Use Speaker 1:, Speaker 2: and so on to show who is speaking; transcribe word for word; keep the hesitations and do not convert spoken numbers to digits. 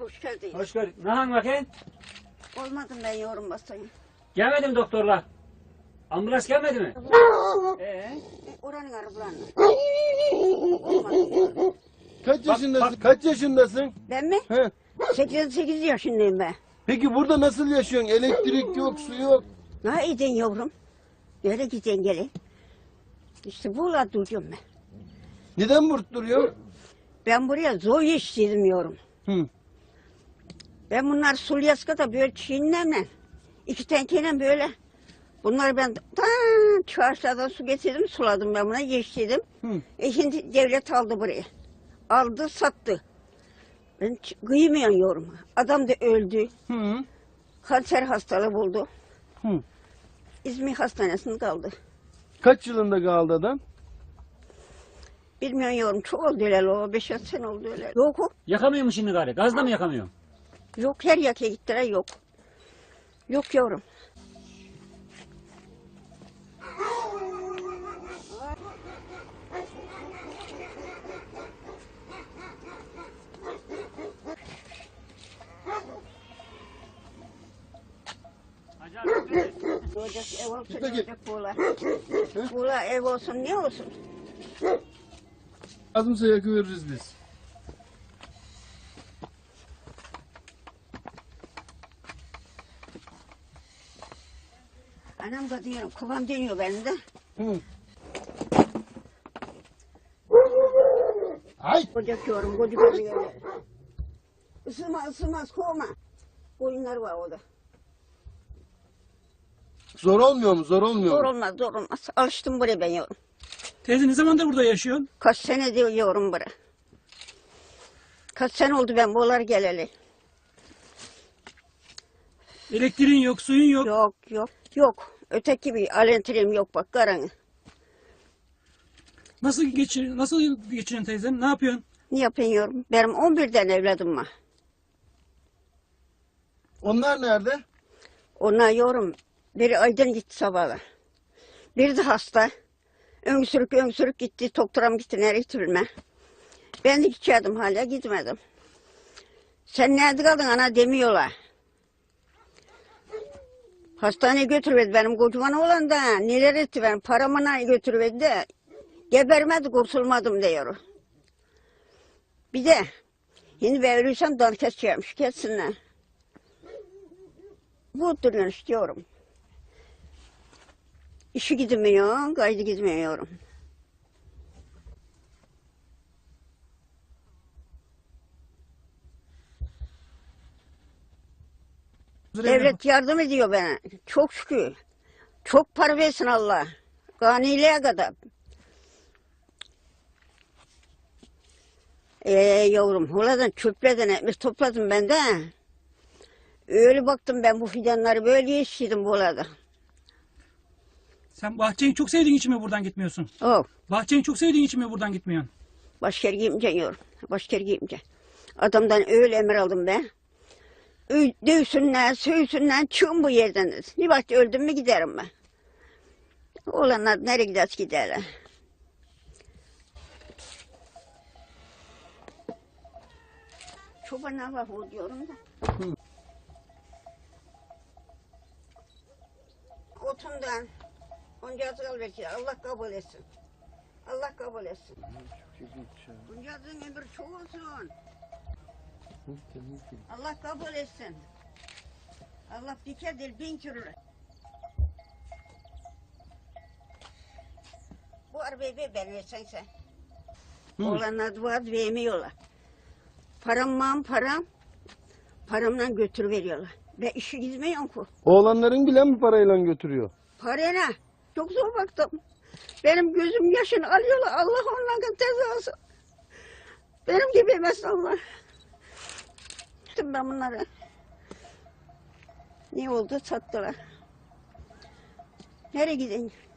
Speaker 1: hoş geldin.
Speaker 2: Hoş gördük. Nahan bakayım.
Speaker 1: Olmadım ben yorum basayım.
Speaker 2: Gelmedi mi doktorlar? Ambulans gelmedi mi? Ee?
Speaker 1: Oranın arabalarına. Olmadı.
Speaker 3: Kaç yaşındasın?
Speaker 2: bak.
Speaker 3: Kaç yaşındasın?
Speaker 1: Ben mi?
Speaker 3: He.
Speaker 1: sekiz sekiz yaşındayım ben.
Speaker 3: Peki burada nasıl yaşıyorsun? Elektrik yok, su yok.
Speaker 1: Ne edin yavrum? Böyle gidin gelin. İşte burada duruyorum ben.
Speaker 3: Neden burada duruyorsun?
Speaker 1: Ben buraya zor yetiştirdim yorum.
Speaker 3: Hı.
Speaker 1: Ben bunlar Sulyaska'da böyle çiğnemle, iki tenkeyle böyle. Bunları ben tan çarşıdan su getirdim, suladım ben buna, yetiştirdim.
Speaker 3: Hı.
Speaker 1: E şimdi devlet aldı burayı. Aldı, sattı. Ben ç- kıymıyorum. Adam da öldü.
Speaker 3: Hı.
Speaker 1: Kanser hastalığı buldu.
Speaker 3: Hı.
Speaker 1: İzmir Hastanesi'nde kaldı.
Speaker 3: Kaç yılında kaldı adam?
Speaker 1: Bilmiyorum, çok oldu öyle o. Beş altı sene oldu öyle. Yok o.
Speaker 2: Yakamıyor mu şimdi gari? Gazla mı yakamıyor?
Speaker 1: Yok, her yaka gittiler, yok. Yok yavrum. Olacak ev olsun,
Speaker 3: Peki.
Speaker 1: olacak buğla. Buğla ev olsun, ne olsun?
Speaker 3: Lazımsa yakıveririz biz.
Speaker 1: Anam da diyorum, kovam deniyor benim de.
Speaker 3: Hı. Ay!
Speaker 1: Ocak yorum, koca oluyor. Isınma, ısınmaz, kovma. Koyunlar var orada.
Speaker 3: Zor olmuyor mu? Zor olmuyor
Speaker 1: Zor
Speaker 3: mu?
Speaker 1: olmaz, zor olmaz. Alıştım buraya ben yorum.
Speaker 4: Teyze ne zamandır burada yaşıyorsun?
Speaker 1: Kaç sene diyor yorum buraya. Kaç sene oldu ben buralar geleli.
Speaker 4: Elektriğin yok, suyun yok.
Speaker 1: Yok, yok, yok. Öteki bir alentirim yok bak, karanı.
Speaker 4: Nasıl geçir, nasıl geçiriyorsun teyzem? Ne yapıyorsun?
Speaker 1: Ne yapıyorum? Benim on birden evladım var.
Speaker 3: Onlar nerede?
Speaker 1: Onlar yorum. Biri Aydın gitti sabahla. Biri de hasta. Öksürük öksürük gitti. Doktora mı gitti, nereye gitti bilmem. Ben de gideceğim, hala gitmedim. Sen nerede kaldın ana demiyorlar. Hastaneye götürüverdi benim kocaman olan da. Neler etti benim paramı götürüverdi de. Gebermedi, kurtulmadım diyor. Bir de şimdi ben ölürsem dan keseceğimmiş, kessinler. Bu duruyorsun istiyorum. İşi gidemiyor, kaydı gitmiyorum. Devlet yardım ediyor bana. Çok şükür. Çok para versin Allah. Ganiliğe kadar. Ee yavrum, huladan çöplerden ekmek topladım ben de. Öyle baktım ben bu fidanları, böyle yetiştirdim bu arada.
Speaker 4: Sen bahçeyi çok sevdiğin için mi buradan gitmiyorsun?
Speaker 1: Oh,
Speaker 4: Bahçeyi çok sevdiğin için mi buradan gitmiyorsun?
Speaker 1: başka yere gitmeyeceğim yavrum. Başka yere gitmeyeceğim. Adamdan öyle emir aldım ben. Ö- Dövsünler, sövsünler, çıkın bu yerden dedi. Bir vakit öldüm mü giderim ben. Olanlar nereye giderse giderler. Çobana bak o diyorum da.
Speaker 3: Hı.
Speaker 1: Otundan onca azal bekliyor. Allah kabul etsin. Allah kabul etsin. Onca azın ömrü çok olsun. Allah kabul etsin. Allah diker değil bin kürür. Bu arabayı ver ben versen sen.
Speaker 3: Hı.
Speaker 1: Oğlanlar var vermiyorlar. Param mam param. Paramla götür veriyorlar. Ben işe gitmiyorum ki.
Speaker 3: Oğlanların bile mi parayla götürüyor?
Speaker 1: Parayla çok zor baktım. Benim gözüm yaşını alıyorlar. Allah onlardan cezası. Benim gibi yemez Allah. Gittim ben bunları. Ne oldu? Sattılar. Nereye gideyim?